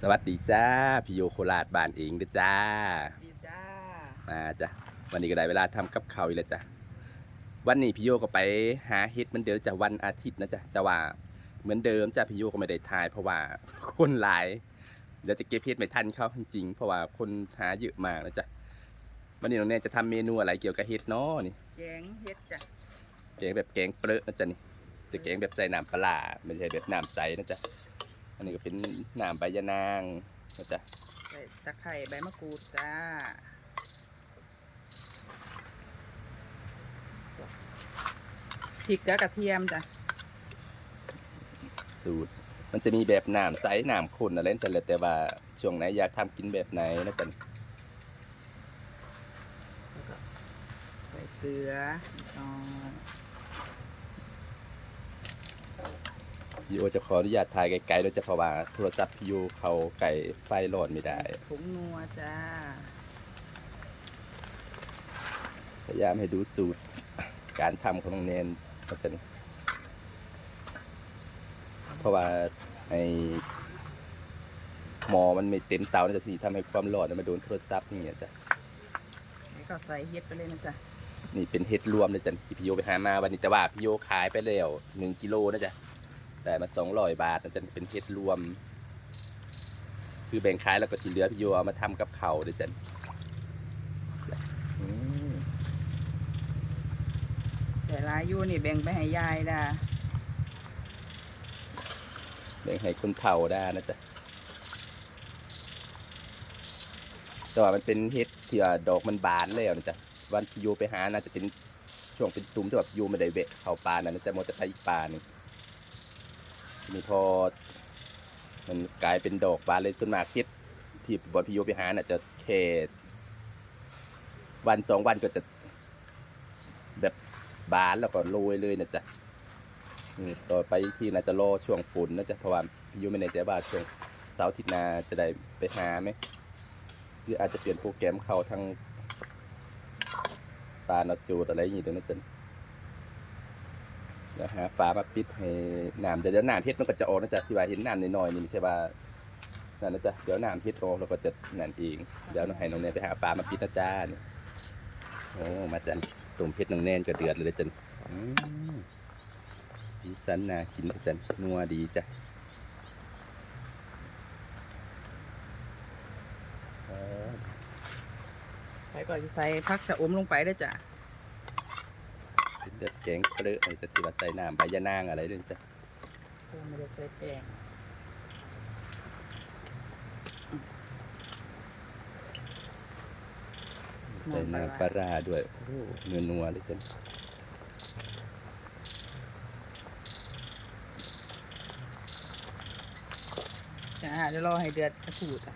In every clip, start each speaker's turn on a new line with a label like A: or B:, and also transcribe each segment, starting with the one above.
A: สวัสดีจ้าพี่โยโคราชบ้านเองเด้อจ้า
B: ดีจ้า
A: มาจ้ะวันนี้ก็ได้เวลาทำกับข้าวอีกแล้วจ้ะวันนี้พี่โยก็ไปหาเฮ็ดเหมือนเดิมจ้ะวันอาทิตย์นะจ้ะแต่ว่าเหมือนเดิมจ้ะพี่โยก็ไม่ได้ถ่ายเพราะว่าคนหลายเดี๋ยวจะเก็บเฮ็ดไม่ทันเขาจริงๆเพราะว่าคนหาเยอะมากนะจ้ะวันนี้น้องแนนจะทำเมนูอะไรเกี่ยวกับเฮ็ดเนาะนี่
B: แกงเฮ็ดจ้ะ
A: แกงแบบแกงเปรอะนะจ๊ะนี่จะแกงแบบใส่น้ำปลาไม่ใช่แบบน้ำใสนะจ๊ะอันนี้ก็เป็นน้ำใบยะนางนะจ๊ะ
B: ใส่ตะไคร้ใบมะกรูดจ้าพริกกับกระเทียมจ้ะ
A: สูตรมันจะมีแบบน้ำใสน้ำข้นอะไรนั่นแหละแต่ว่าช่วงไหนอยากทำกินแบบไหนนะจ๊ะ
B: แล้วก็ใส่เกลืออ๋อ
A: พี่โอจะขออนุญาตถ่ายไกลๆโดยเฉพาะว่าโทรศัพท์พี่โอเขาไก่ไฟร้อนไม่ได้
B: ผงนัวจ้า
A: พยายามให้ดูสูตรการทำของน้องเนนนะจ๊ะเพราะว่าไอหมอมันไม่เต็มเตานะจ๊ะที่ทำให้ความร้อนมันโดนโทรศัพท์นี่จ้ะ
B: แล้วก็ใส่เฮ็ดไปเลยนะจ๊ะ
A: นี่เป็นเห็ดรวมนะจ๊ะที่พี่โยไปหามาวันนี้แต่ว่าพี่โยขายไปแล้ว1 กิโลนะจ๊ะได้มา200 บาทนะจ๊ะเป็นเห็ดรวมคือแบ่งขายแล้วก็ที่เหลือพี่โยเอามาทำกับข้าวด้วยจ้ะอืม
B: แต่ลายอยู่นี่แบ่งไปให้ยายด้า
A: แบ่งให้คนเฒ่าได้นะจ๊ะแต่ว่ามันเป็นเห็ดที่ว่าดอกมันบานแล้วนะจ๊ะวันพี่โยไปหาน่าจะเป็นช่วงเป็นตุ่มที่แบบพี่โยไม่ได้เวะเข้าป่านะจ๊ะมอจะไปอีกป่าหนึงทีนี้พอมันกลายเป็นดอกบานเลยต้นมากเห็ดที่บอนพี่โยไปหาน่ะจะแค่1-2 วันก็จะแบบบานแล้วก็โรยเลยนะจ๊ะต่อไปที่น่าจะรอช่วงฝนนะจ๊ะเพราะว่าพี่โยไม่แน่ใจว่าช่วงเสาร์อาทิตย์หน้าจะได้ไปหาไหมหรืออาจจะเปลี่ยนโปรแกรมเข้าทางปลาเนาจูดอะไรอย่างงี้ด้วยนะจ๊ะแล้วหาปลามาปิดให้น้ำเดี๋ยวน้ำเฮ็ดมันก็จะออกนะจ๊ะที่ว่าเห็นน้ำน้อยๆนี่ไม่ใช่ว่านั่นนะจ๊ะเดี๋ยวน้ำเฮ็ดออกเราก็จะนั่นเองเดี๋ยวน้องให้น้องแนนไปหาปลามาปิดนะจ๊ะนี่โอ้มาจ๊ะตุ่มเฮ็ดน้องแนนก็เดือดเลยจ๊ะอืมสีสันน่ากินนะจ๊ะนัวดีจ้ะ
B: ไปก่อนจะใส่ผักชะอมลงไปได้จ้ะ
A: เป็นแบบแกงเปรอะอะไรจะที่ว่าใส่น้ำใบยะนางอะไรด้วยจ้ะ
B: ไม่ได้ใส่แป้ง
A: ใส่น้ำปลาร้าด้วยโอ้นัวๆเลยจ้ะ
B: จ้าเดี๋ยวรอให้เดือดกระถูจ้ะ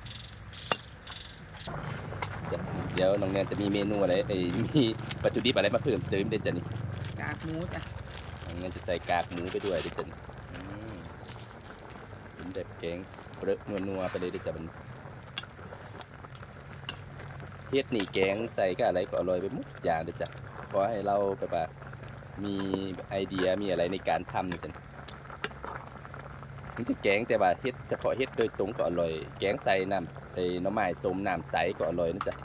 A: เดี๋ยวน้องแนนจะมีเมนูอะไรมีวัตถุดิบอะไรมาเพิ่มเติมได้จ้ะนี่
B: กากหมูจ้ะ
A: น้องแนนจะใส่กากหมูไปด้วยได้จ้ะนี่อืมเป็นแบบแกงเปรอะนัวๆไปเลยได้จ้ะมันเฮ็ดนี่แกงใส่ก็อะไรก็อร่อยไปหมดอย่างเลยจ้ะขอให้เราแบบว่ามีไอเดียมีอะไรในการทำนะจ้ะมันจะแกงแต่ว่าเฮ็ดเฉพาะเฮ็ดโดยตรงก็อร่อยแกงใส่น้ำหน่อไม้ส้มน้ำใสก็อร่อยนะจ๊ะ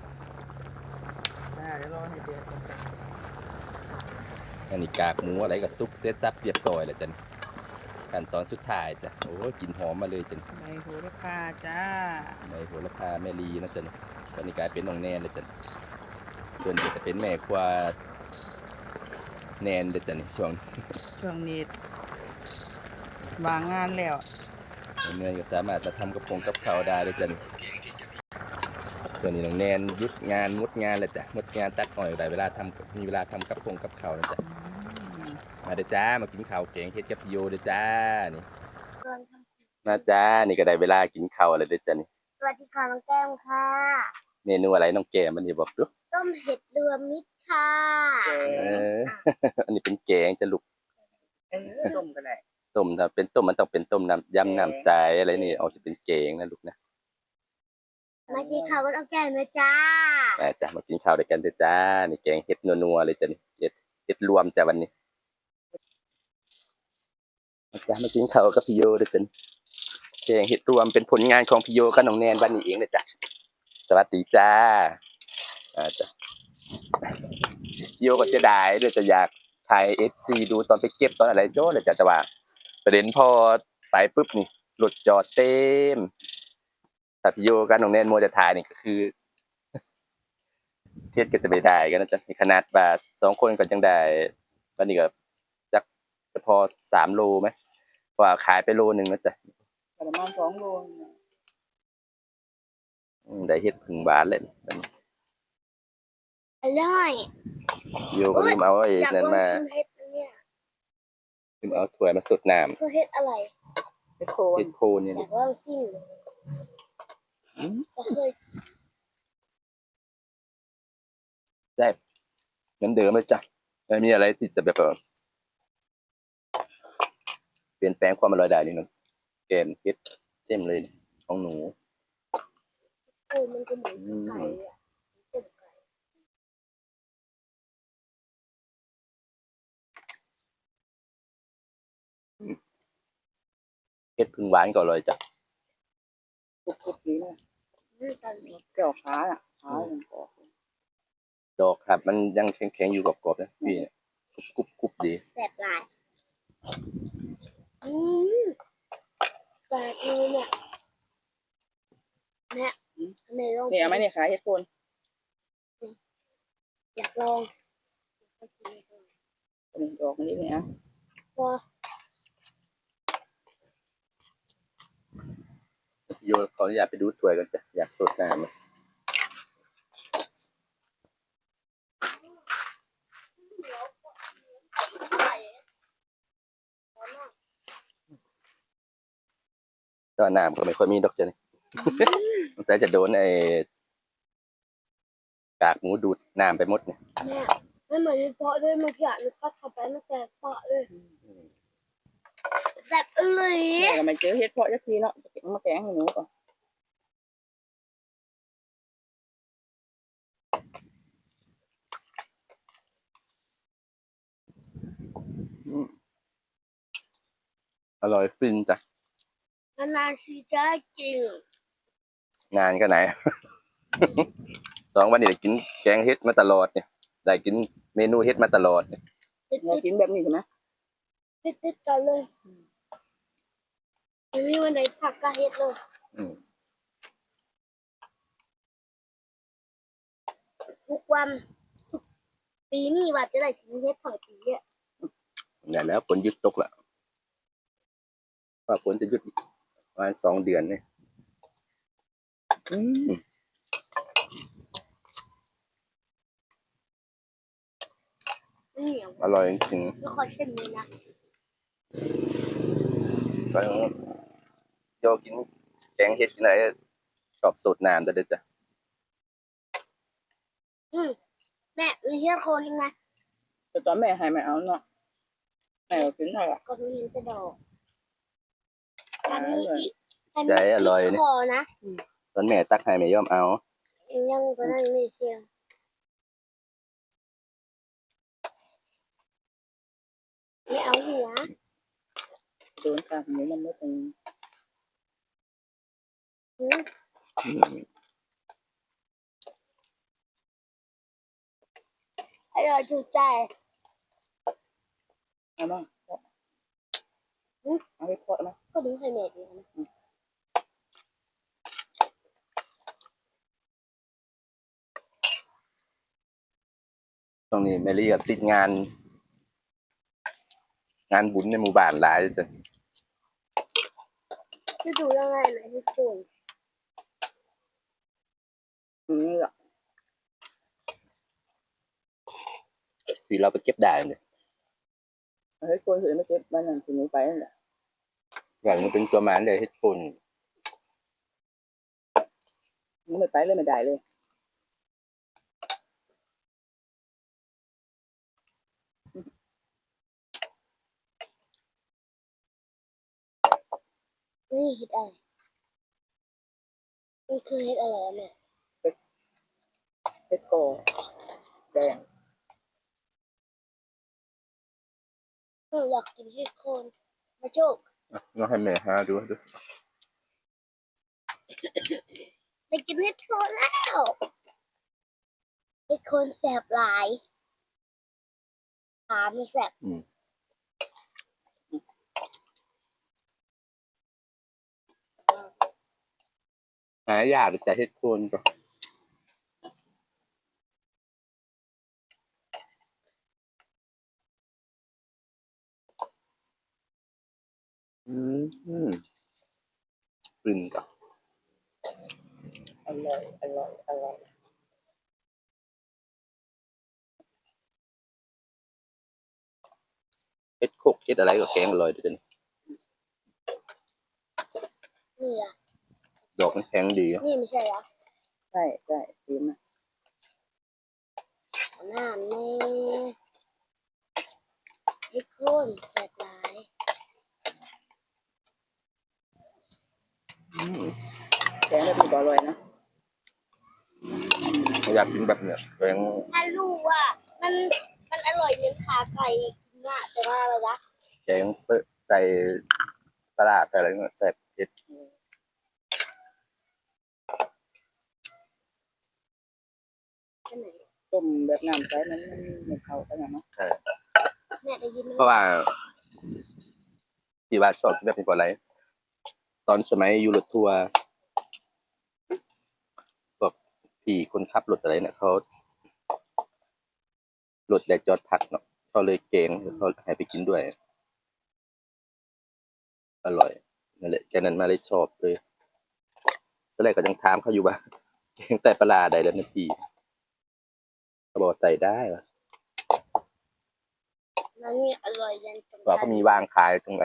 B: เดี๋ยวรอให้เดือดก่อนจ้ะ
A: อันนี้กากหมูอะไรก็ซุปเซตซับเรียบร้อยแล้วจ้ะขั้นตอนสุดท้ายจ้ะโอ้ยกลิ่นหอมมาเลยจ้ะ
B: ใบโหระพาจ้า
A: ในโหระพาแม่ลีนะจ้ะตอนนี้กลายเป็นน้องแนนเลยจ้ะส่วนจะเป็นแม่ครัวแนนเด็ดจ้ะนี่ช่วง
B: เครื่องนี้วางงานแล้ว
A: เนื่อยก็สามารถมาทำกับข้าวได้เลยจ้ะส่วนนี้น้องแนนยุดงานงดงานแล้วจ้ะงดงานตัดอ้อยได้เวลาทำมีเวลาทำกับข้าวนะจ้ะมาเด้อจ้ามากินข้าวแกงเฮ็ดกับพี่โยเด้อจ้านี่มาจ้านี่ก็ได้เวลากินข้าวแล้วเด้อจ้ะนี่
C: สวัสดีค่ะน้องแก้มค่ะ
A: เมนูอะไรน้องแกมันจะบอกดู
C: ต้มเห็ดรวมมิตรค่ะ
A: เอออันนี้เป็นแกงจะลูก
B: ต้มก็ได้
A: ต้มถ้าเป็นต้มมันต้องเป็นต้มน้ำยำน้ำใสอะไรนี่เอาจะเป็นแกงนะลูกนะ
C: มากินข้าวกับน้องแก้มนะจ้า
A: มาจ้ะมากินข้าวด้วยกันเด้อจ้านี่แกงเห็ดนัวๆเลยจ้ะนี่เห็ดรวมจ้ะวันนี้มาจ้ะมากินข้าวกับพี่โยเด้อจ้ะเพลงเฮ็ดรวมเป็นผลงานของพี่โยกับน้องแนนวันนี้เองเลยจ้ะสวัสดีจ้าจ้ะพี่โยก็เสียดายเดี๋ยวจะอยากถ่าย FC ดูตอนไปเก็บตอนอะไรโจ้เลยจ้ะแต่ว่าประเด็นพอไปปุ๊บนี่รถจอดเต็มถ้าพี่โยกับน้องแนนมัวจะถ่ายนี่ก็คือเทียดก็จะไม่ได้กันนะจ๊ะขนาดว่า2คนก็ยังได้วันนี้ก็จักจะพอ3 โลไหมเพราะว่าขายไปโลนึงนะจ๊ะ
B: ประมาณ2 โลเนี่ย
A: ได้เฮ็ดผึ่งหวานเลย
C: อร่อย
A: โยก็ลืมเอาไอ้
C: อยาก
A: นั่น
C: ลอง
A: มา
C: ชิมเห็ดอันเนี่ย
A: ลืมเอาถ้วยมาสดน้ำ
C: คือเห็ดอะไร
B: เฮ็ดโคน
A: เฮ็ดโคนนี่
C: อยา
A: นะ
C: กลองชิมก็เคย
A: ได้เหมือนเดิมเลยจ้ะไม่มีอะไรที่จะแบบเปลี่ยนแปลงความอร่อยได้นี่นะแกงเฮ็ดเต็มเลยของหนู
C: มันก็เหมือนไก่เลยอะต้มไก่
A: เฮ็ดผึ่งหวานก็อร่อยจ้ะ
B: กรุบๆดีนะ
C: ตอนนี้
B: เกี่ยวขาอ่ะขามันกรอบ
A: ดอกครับมันยังแข็งๆอยู่กรอบๆนะพี่กรุบๆดี
C: แสบหลายอืมแปลกเลยเนี่ยแม่ในลอง
B: นี่เอาไหมเนี่ยขาเฮ็ดโคน
C: อยากลอง
B: นี่ดอกนี้เนี่ยนะ
C: ก็
A: โยขออนุญาตไปดูถ้วยกันจ้ะอยากสดน้ำตอนน้ำก็ไม่ค่อยมีดอกจ้ะนี่ สงสัยจะโดนไอ้กากหมูดูดน้ำไปหมดเนี่ย
C: แม่ไม่เหมือนในเพาะด้วยเมื่อกี้หนูก็ทำไปตั้งแต่เพาะเลยแซ่บเลย
B: แม่ก็ไม่เจอเฮ็ดเพาะสักทีเนาะมาแกงให้หนูก่อน
A: อร่อยฟินจ้ะ
C: นานๆทีจะจริง
A: งานก็ไหน 2 วันนี้ได้กินแกงเฮ็ดมาตลอดเนี่ยได้กินเมนูเฮ็ดมาตลอดเนี่ย
C: ติด
B: เรากินแบบนี้ใช่ไหม
C: ติดกันเลยไม่มีวันไหนผักกะเฮ็ดเลย
A: อืม
C: ทุกวันทุกปีนี้ว่าจะได้กินเฮ็ดของปีอ่ะ
A: เนี่ยแล้วฝนหยุดตกละว่าฝนจะหยุดอีกประมาณ2 เดือนเนี่ย
B: อืม
C: นี่อย่าง
A: อร่อยจริง
C: ไม่ค่อยเช่นนี้นะ
A: ๆก็โยกินแกงเฮ็ดที่ไหนชอบสดน้ำแต่เด็ดจ้ะ
C: แม่มีเฮ็ดโคนยังไง
B: แต่ตอนแม่ให้ไม่เอาเนาะแม่ก็กินเท่าไหร่
C: ก็มีเห็นแต่ดอกอันนี้อีก
A: ใจอร่อยเนี่ย
C: คอนะ
A: ตอนแม่ตักให้ไม่ยอมเอา
C: ยังก็นั่นไม่เชียวไม่เอาหัว
B: โดนขาหมูมันไม่เป็น
C: หืม
A: อืม
C: อร่อยถูกใจ
B: เอาบ้างเอาไปเพาะไหม
C: ก็ถึงให้แม่ดีนะ
A: ตรงนี้แมรี่ก็ติดงานบุญในหมู่บ้านหลายจ้ะ
C: จะดูยังไงไหนทุกคน
B: นี่แหละ
A: ที่เราไปเก็บได้เนี่ย
B: เฮ็ดโคนถือไม่เก็บบ้านนั่นคือหนูไปนั่นแหละ
A: หลังมันเป็นตัวมันเลยเฮ็ดโคน
B: หนูไม่ไปเลยไม่ได้เลย
C: นี่เห็ดอะไรมันคือเห็ดอะไรแม่
B: เฮ็ดกอแดง
C: หนูอยากกินเห็ดโคนมาโชค
A: ลองให้แม่หาดู
C: ได้กินเห็ดโคนแล้วเห็ดโคนแสบหลายขาไม่แสบ
A: หายากแต่เฮ็ดโคนก็กลิ่นก็
B: อร่อยอร่อยอร่อย
A: เฮ็ดโคกเฮ็ดอะไรก็แกงอร่อยด้วยกัน
C: นี่อ่ะ
A: ดอกมันแข็งดี
C: นี่ไม่ใช่เหรอ
B: ใช่ใช่ดีมาก
C: น้ำนี่เห็ดโคนแสบหลาย
B: แกงแบบนี้ก็อร่อยนะ
A: อยากกินแบบเนี้ยแกง
C: ถ้ารู้ว่ามันอร่อยเหมือนขาไก่กินอ่ะแต่ว่าอะไรนะ
A: แกงเปิ้ลใส่ปลาร้าใส่อะไรเงี้ยแซ่บเฮ็ด
C: อันไหน
B: ต้มแบบน้ำใสมันไม่เข้ากันนะเนาะ
A: ใช่
C: แม่ได้ยินไหม
A: เพราะว่าที่ว่าชอบกินแบบนี้เพราะอะไรตอนสมัยอยู่รถทัวร์พวกพี่คนขับรถอะไรเนี่ยเขารถอยากจอดพักเนาะเขาเลยเกงเขาให้ไปกินด้วย อร่อยนั่นแหละจากนั้นมาเลยชอบเลยตอนแรกก็ยังถามเขาอยู่ว่า แกงไตปลาร้าได้แล้วนะพี่เขาบอกไต่ได้วะ
C: มันมีอร่อยยันตรง
A: ว่าเขามีวางขายตรง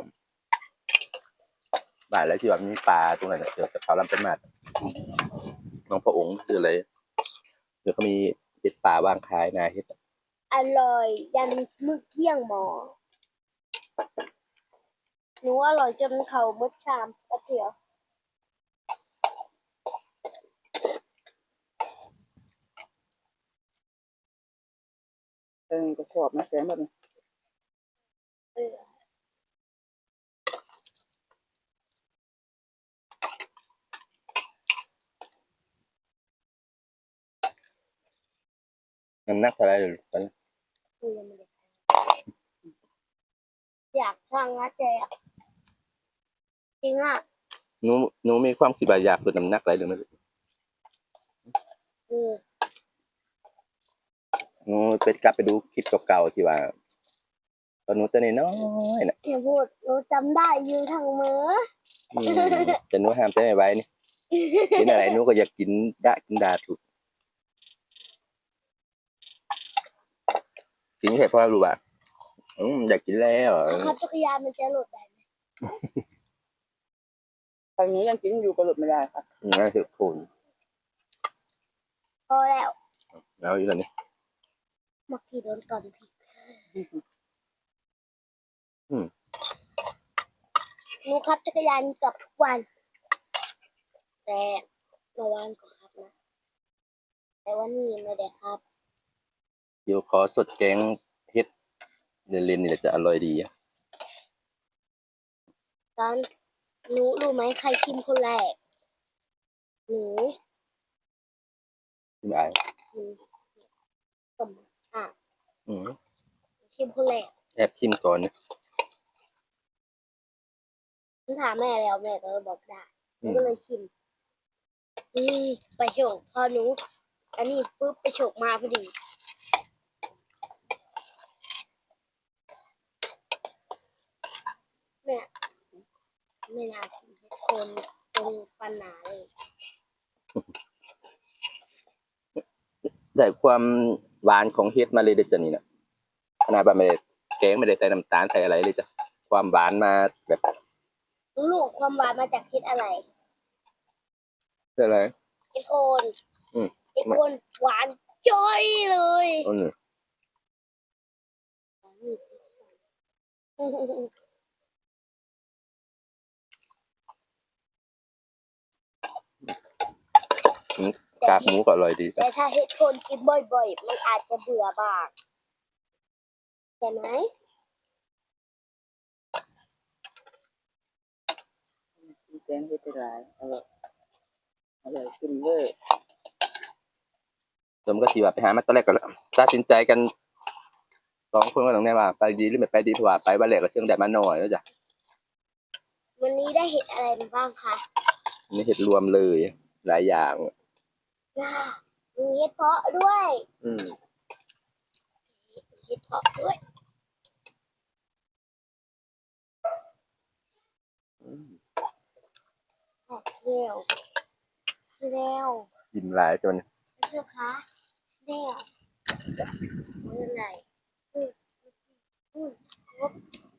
A: บ้านแล้วที่ว่ามีปลาตรงนั้นน่ะเดี๋ยวจะเขาลำเป็นมาดน้องพระองค์คืออะไรเดี๋ยวเขามีเห็ดป่าวางขายนาเห็ด
C: อร่อยยันมือเกี้ยงหมอหนูอร่อยจนเขามดชามกระเทียว
B: ก็ชอบนะแกงแบบนี้
C: เออ
A: น้ำหนักเท่าไหรเลยตอนนี้
C: คือยังไม่ได้อยากช่างนะเจ๊อะจริงอ่ะ
A: หนูมีความคิดว่าอยากลดน้ำหนักอะไรหรือไม่
C: อือ
A: หนูไปกลับไปดูคลิปเก่าๆที่ว่าตอนหนูตัวน้อยๆน่ะ
C: อย่าพูดหนูจำได้อยู่ทางมือ
A: อืมแต่หนูห้ามใจไม่ไหวนี่กินอะไรหนูก็อยากกินดาถูกกินแค่เพราะรู้ว่าอยากกินแล้ว
C: ขับจักรยานมันจะหลุดได้ไหม
B: ตอนนี้ยังกินอยู่ก็หลุดไม่ได้ค่ะ
A: นั่นคือโคน
C: พอแล้ว
A: แล้วอีกแล้วนี่
C: เมื่อกี้โดนก่อนพี่หนูขับจักรยานเกับทุกวัน แต่เมื่อวานก็ขับนะแต่วันนี้ไม่ได้ขับ
A: เดี๋ยวขอสดแกงเฮ็ดเล่นๆนี่แหละจะอร่อยดีอะ
C: ตอนหนูรู้ไหมใครชิมคนแรกหนู
A: ไม่อาย
C: หนูต้มอ่ะ
A: อืม
C: ชิมคนแรก
A: แอบชิมก่อนนะ
C: หนูถามแม่แล้วแม่ก็บอกได้หนูก็เลยชิม ไปโฉกพอหนูอันนี้ปุ๊บไปโฉกมาพอดีแม่ไม่น่ากินเห็ดโคนตรงปัญหาเลย
A: ได้ความหวานของเฮ็ดมาเลยเด้อจ้ะนี่นะขนาดว่าไม่ได้แกงไม่ได้ใส่น้ำตาลใส่อะไรเลยจ้ะความหวานมาแบบ
C: ลูกความหวานมาจากเห็ดอะไร
A: อะไร
C: เห็ดโคน
A: อืม
C: เห็ดโคนหวานจ้อยเลย
A: อืมกากหมูก็อร่อยดี
C: แต่ถ้าเห็ดโคนกินบ่อยๆมันอาจจะเบื่อบ้างใช่ไหม
B: แกงเฮ็ดได้หลายอร่อยอร่อยขึ้นเวอร์
A: ผมก็สิว่าไปหามาตอนแรกก็ตัดสินใจกันสองคนก็ต้องแน่ว่าไปดีหรือไม่ไปดีเพราะว่าไปวันแรกก็เชิงแดดมาหน่อยแล้วจ้ะ
C: วันนี้ได้เห็ดอะไรมาบ้างคะ
A: นี่เห็ดรวมเลยหลายอย่าง
C: ย่ามีเห็ดเพาะด้วย
A: อืม
C: เห็ดเพาะด้วยแอบเซลเซล
A: กินหลายจน
C: เชื่อคะเซลอะไรอืมอืมครบ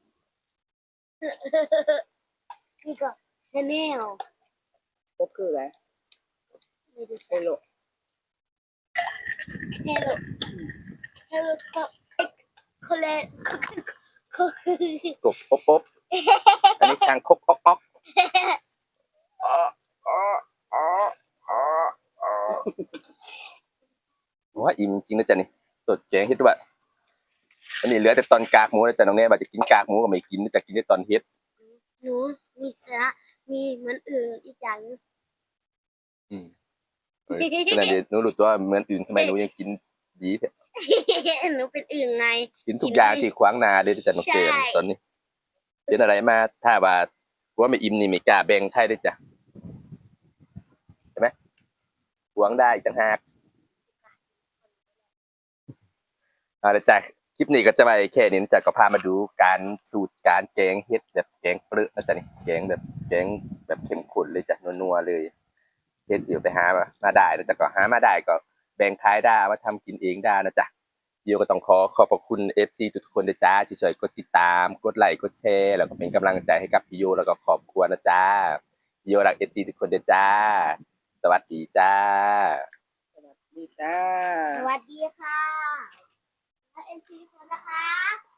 C: นี่ก็ชาแนล
B: ก็คืออะไร
C: ไม่ดู
B: โอโล
C: เฮลโลเฮลโลเขาเล่นเขาคือก
A: บอบอันนี้คางคกอ๊อกอ๊อกอ๋ออ๋ออ๋ออ๋ออ๋อว่าอิ่มจริงนะจ๊ะนี่สดแกงเฮ็ดด้วยอันนี้เหลือแต่ตอนกากหมูนะจ๊ะน้องแน่ว่าจะกินกากหมูก็ไม่กินจะกินแต่ตอนเฮ็ด
C: หนูมีสาระมีเหมือนอื่นอีกอย่างหนึง
A: อืมเออขนาดเดี๋ยวหนูรู้ตัวเหมือนอื่นทำไมหนูยังกินดีแท้
C: หนูเป็นอื่นไง
A: กินทุกอย่างที่ขวางหน้าเลยจ้ะน้องเกม
C: ใช่
A: ตอนนี้เป็นอะไรมาถ้าว่าว่าไม่อิ่มนี่ไม่กล้าแบ่งไทยด้วยจ้ะใช่ไหมหวงได้อีกต่างหากเอาละจ้ะคลิปนี้ก็จะไปแค่นี้นะจ๊ะก็พามาดูการสูตรการแกงเฮ็ดแบบแกงเปลือกนะจ๊ะนี่แกงแบบเข้มข้นเลยจ้ะนัวๆเลยเฮ็ดเดี๋ยวไปหามาได้นะจ๊ะก็หามาได้ก็แบ่งขายได้เอามาทำกินเองได้นะจ๊ะพี่โยก็ต้องขอบพระคุณ FC ทุกคนนะจ๊ะที่ช่วยกดติดตามกดไลค์กดแชร์แล้วก็เป็นกำลังใจให้กับพี่โยแล้วก็ครอบครัวนะจ๊ะพี่โยรัก FC ทุกคนนะจ๊ะสวัสดีจ้า
B: สวัสดีจ้า
C: สวัสดีค่ะและเอ็นซีคนนะคะ